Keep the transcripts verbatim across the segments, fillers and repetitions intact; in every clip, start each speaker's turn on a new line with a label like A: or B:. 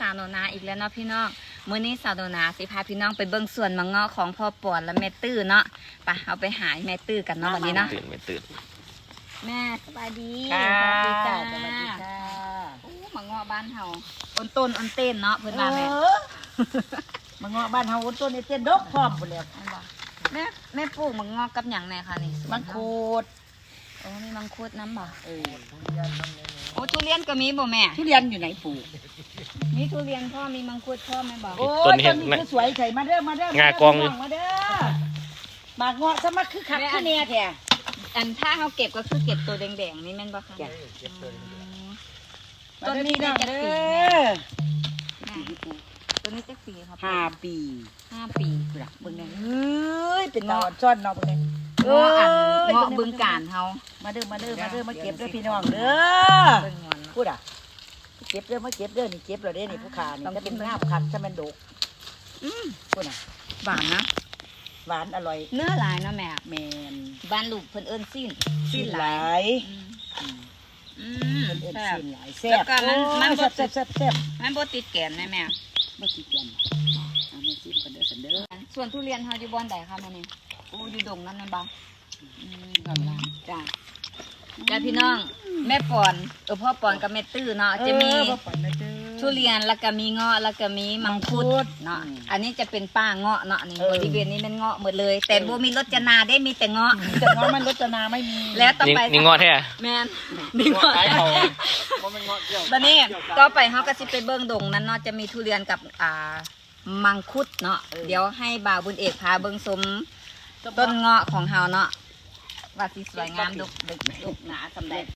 A: าวโนนาอีกแล้วเนาะพี่น้องมื้อนี้สาวโนนาสิพาพี่น้องไปเบิ่งสวนมะเงาะของพ่อปอนและแม่ตื้อเนาะไปเอาไปหาแม่ตื้อกันเนาะวันนี้เนาะ
B: ตื่นไม่ตื่น
A: แม่สบายดี
C: ค่ะ
A: สวัสดีจ้า
C: สวัสดีค่ะ
A: โอ้มะเงาะบ้านเฮาต้นต้นอันเต้นเนาะเพิ่นว่าแม่
C: เออมาเงาะบ้านเฮาต้นนี้เต้นดอกพร้อมหมดแล้ว
A: แม่แม่ปลูกมะเงาะกับหยังแน่คะนี่
C: มังคุด
A: โอ้มีมังคุดน้ำบ่
C: เออ
A: โอ้ทุเรียนก็มีบ่แม่
C: ทุเรียนอยู่ไหนปลูก
A: มีทุเรียนพ่อมีมังคุดพ่อแม่บ่
C: โอ้ยต้นนี้คือสวยใส่มาเด้อมาเด้อ
B: งากองอยู่
C: มาเด้อมาเงาะซะมาคือคักคือแน่แท้
A: อันถ้าเฮาเก็บก็คือเก็บตัวแดงๆนี่แม่นบ่คะ
C: จ้ะ
A: ต้นนี้ได้จักปี
C: เด้
A: แม่
C: อ
A: ตัวนี้จักปีครับ
C: ห้าปี
A: ห้าปี
C: พุ่นน่ะเบิ่งแน่เฮ้ยเป็นตาอ่อนซ่อนเนาะเบิ่งแน่
A: เงาะอันเงาะบึงการเฮา
C: มาเด้อมาเด้อมาเด้อมาเก็บเด้อพี่น้องเด้อ
A: เบิ่งงอนเนาะ
C: พูดอ่ะเก็บเด้อมาเก็บเด้อนี่เก็บเราเด้อนี่ผู้ขานี่
A: ต้อง
C: จะเป็น
A: กิน
C: งาบคักถ้ามันดก
A: อืม
C: พูดอ่ะ
A: หวานนะ
C: หวานอร่อย
A: เนื้อหลายเนาะแม่
C: แมน
A: บ้านลูกเพิ่นเอิ้นสิ้น
C: สิ้นหลาย
A: อืม
C: อืม
A: อืม
C: เพิ่นเอิ้น
A: แซ่บ
C: สิ้นหลายแซ่บ
A: แล้วก็มันมันบ่
C: แซ่บแซ่บแซ่บ
A: มันบ่ติดแกนแม่แม่
C: ไม่ติดกันเอาแม่ซิมกันเด้อสันเด้อ
A: ส่วนทุเรียนเฮาอยู่บ่อนใดคะแม่นี่โอ้อยู่ดงนั้นนั่นบ่อืมจ้าจ้าพี่น้อง แม่ปอนเออพ่อปอนกับแม่ตื้อเนาะจะมี
C: เออบ่ปล่อยนะเด้อ
A: ทุเรียนแล้วก็มีเงาะแล้วก็มีมังคุดเนาะ
C: อืม
A: อันนี้จะเป็นป้าเงาะเนาะนี่
C: เออบ
A: ริเวณนี้เป็นเงาะหมดเลย แต่บ่มีรจนาได้มีแต่เงาะ
C: แต่ว่ามันรจนาไม่มี
A: แล้วต่อ
B: นี่
A: ไป
B: นี่งอแท้
A: แม่นนี่เงาะ
B: ขายเขา
A: ตอนนี้ต่อไปเฮาก็สิไปเบิ่งดงนั้นเนาะจะมีทุเรียนกับอ่ามังคุดเนาะเดี๋ยวให้บ่าวบุญเอกพาเบิ่งสมต้นเงาะของเฮาเนาะว่าสิสวยงามดกดกดกหนาสำใด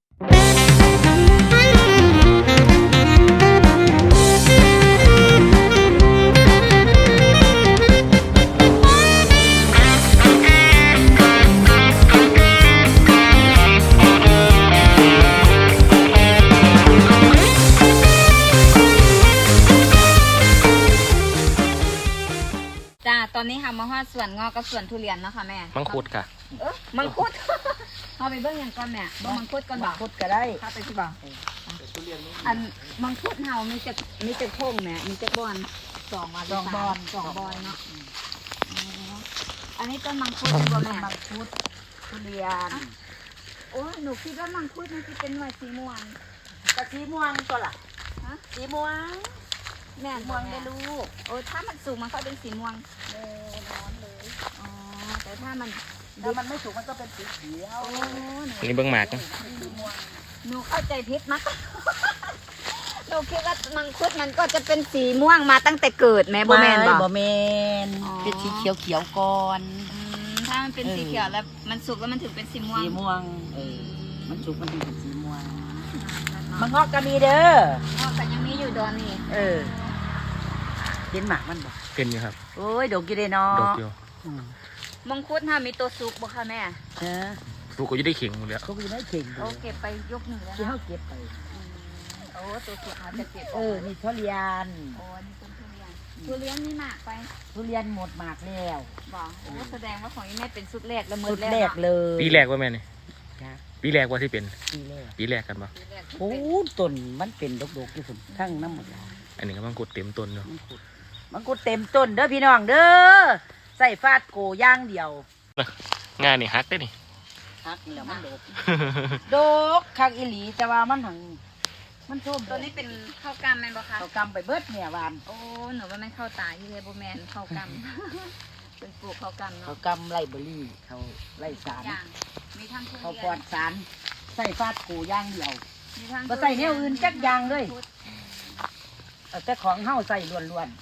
A: จ้าตอนนี้ค่ะมาฮอดสวนเงาะกับสวนทุเรียนเนาะค่ะแม่
B: มังคุดค่ะ
A: เออมังคุด เอาไปเบิ่งอย่างก่อนแม่เบิ่งมังคุดก่อนบ่
C: มังคุดก็ได้
A: ถ้าไปที่บ่อันมังคุดเฮามีจักมีจักพงแม่มีจักบอนสองวัน
C: สองบอน
A: สองบอนเนาะอ๋ออันนี้ต้นมังคุดเป็นบ่แม่
C: มังคุดทุเรียน
A: โอ้ยหนูคิดว่ามังคุดมันสิเป็นหน่วยสีม่วง
C: กะสีม่วงตัวล่ะ
A: ฮะ
C: สีม่วง
A: แม่น
C: ม่
A: บ่
C: วง
A: แม่
C: ได้ลูก
A: โอ้ยถ้ามันสูงมันก็เป็นสีม่วง
C: เออร้อนเลย
A: อ๋อแต่ถ้ามัน
C: ถ้ามันไม่สุกมันก็เป็นสีเขียว
A: โอ้หนู
B: นี่เบิ้งหมากนะ
C: สีม่วง
A: หนูเข้าใจผิดมาก หนูคิดว่ามังคุดมันก็จะเป็นสีม่วงมาตั้งแต่เกิดแม่บ่แม่นบ่
C: บ่แมน
A: อ๋อ
C: เป็นสีเขียวเขียวๆก่อน
A: อืมถ้ามันเป็น
C: เออ
A: สีเขียวแล้วมันสุกแล้วมันถึงเป็นสีม่วง
C: สีม่วง เออ มันสุกมันถึงเป็นสีม่วง มั
A: มัน
C: งงอกก็มีเด้อ
A: ก็แต่ยังมีอยู่ดอนนี่
C: เออเห็นหมากมันบ่
B: เป็นอยู่ครับ
C: โอ้ยดกอยู่เด้เนาะ
B: ดอกอยู่
C: อืม
A: มังคุดถ้ามีตัวสุกบ่คะแม่
C: เออ
B: ลูกก็จะได้เข่งหมดแล้ว
C: เขาก็อยู่ในเข่ง
A: โอ้
C: ดู
A: เก็บไปยกหนึ่งแล้ว
C: ที่
A: นะ
C: เขาเก็บไป
A: อืมโอ้ตัวสุกอาจจะเก็บ
C: เออ นี่ทุเรียน
A: โอ้นี่ต้นทุเรียนทุเรียนนี่หมากไป
C: ทุเรียนหมดหมากแล้ว
A: บอกโอ้แสดงว่าของอีแม่เป็นสุดแรกแล้วมื
C: สุ
A: อ
C: ด
A: แรก
C: แรก
A: เนาะ
C: เลย
B: ปีแรกว่าแม่นี่
C: จ้ะ
B: ปีแรกว่าที่เป็น
C: ปีแรก
B: ปีแรกกันปะ
A: สุดแรก
C: โอ้ต้นมันเป็นดกๆที่สุดทั้งน้ำหมดแล้ว
B: อันนี้ก็มังคุดเต็มต้นเนาะ
C: มังคุดมังคุดเต็มต้นเด้อพี่น้องเด้อใส่ฟาดโกย่างเดียว
B: งานนี่ฮักได้นี่
C: ฮักนี่แหละมันดก ดกคักอีหลีแต่ว่ามันหังมันโชม
A: ตัวนี้เป็นข้าวกล้ามแม่นบ่คะ
C: เขากำไปเบิดเนี่ยวาน
A: โอ้หนูว่าแม่นข้าวตาที่เลยบ่แม่นข้าวกล้าม เป็นปลูกข้าวกล้าม
C: เขา
A: เนาะ
C: กำไล่เบอร์รี่เขาไล่สาร
A: อย่างมีทั้งทุเรียน
C: เขาปลอดสารใส่ฟาดโกย่างเดียว
A: มีทั้ง
C: บ่ใส่แนวอื่นจักอย่างเลย เอาแต่ของเฮาใส่ล้วน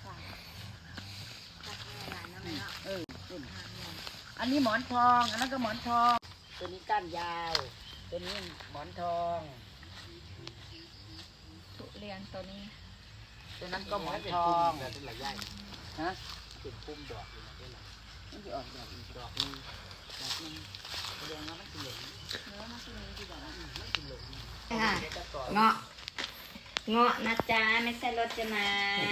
C: ๆเอออันนี้หมอนทอง อันนั้นก็หมอนทอง ตัวนี้ก้านยาว ตัวนี้หมอนทอง
A: ทุเรียนตัวนี้
C: ตัวนั้นก็หมอนทองฮะเป็นปุ่มดอกมันจะออกดอกอีกดอกนึงดอกนึงแสดงว่ามันสิเหลือง
A: ค่ะเงาะเงาะนะจ๊ะไม่ใช่รสนา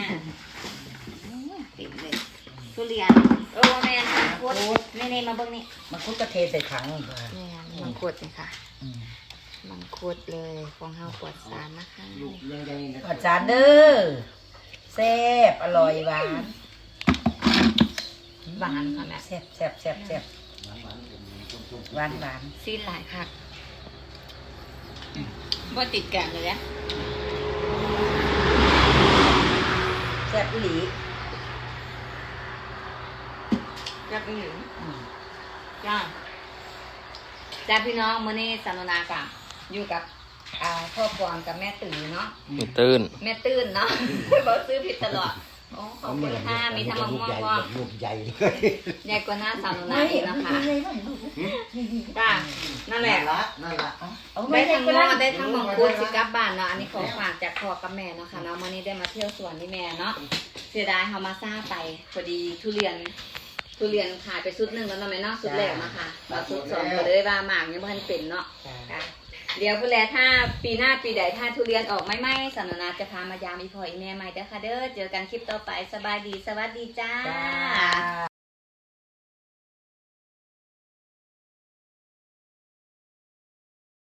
A: ติดเลยทุเรียนโอ้แม่นมังคุดนี่นี่มาเบิ่งนี่
C: มันคุดกระเทใส่ถัง
A: แม่นมังคุดนี่ค่ะมังคุดเลยของเฮาปลอดสารนะคะ
C: อาจารย์เด้อแซ่บอร่อยหวาน
A: หวานค่ะแม่
C: แซ่บแซ่บแซ่บแซ่บหวานหวาน
A: ซีนหลายค่ะบ่ติดแกงเลยเนี่ย
C: แซ่บอีหลี
A: จับไปหนึ่ง
C: อืม
A: จ้าจ้าพี่น้องมื้อนี้สนุนากับอยู่กับอ่าพ่อพวงกับแม่ตื่นเนาะ
B: มีตื้น
A: แม่ตื่นเนาะ บอกซื้อผิดตลอดโอ้ขอบคุณค่ะมีทั้งมะม่วงพร้อม
D: ลูกใหญ่เลย
A: ใหญ่กว่าหน้าสนุนาอีกนะคะจ้านั่นแหละ
D: ละนั่นละ
C: เอา
A: ได้ทั้ง
C: ก็
A: งอได้ทั้งมังคุดสิกลับบ้านเนาะอันนี้ของฝากจากพ่อกับแม่เนาะค่ะเนาะมื้อนี้ได้มาเที่ยวสวนที่แม่เนาะเสียดายเฮามาซ่าไปพอดีทุเรียน ทุเรียนขายไปชุดหนึ่งแล้วเนาะแม่เนาะชุดแรกเนาะค่ะแล้วชุดสองก็เลยว่าหมากยังบ่ทันเป็นเนาะค่ะเดี๋ยวพุ่นแลถ้าปีหน้าปีใดถ้าทุเรียนออกไม่ไหม้สำนักนาจะพามายามอีพ่ออีแม่ใหม่เด้อค่ะเด้อเจอกันคลิปต่อไปสบายดีสวัสดีจ้า
C: จ้า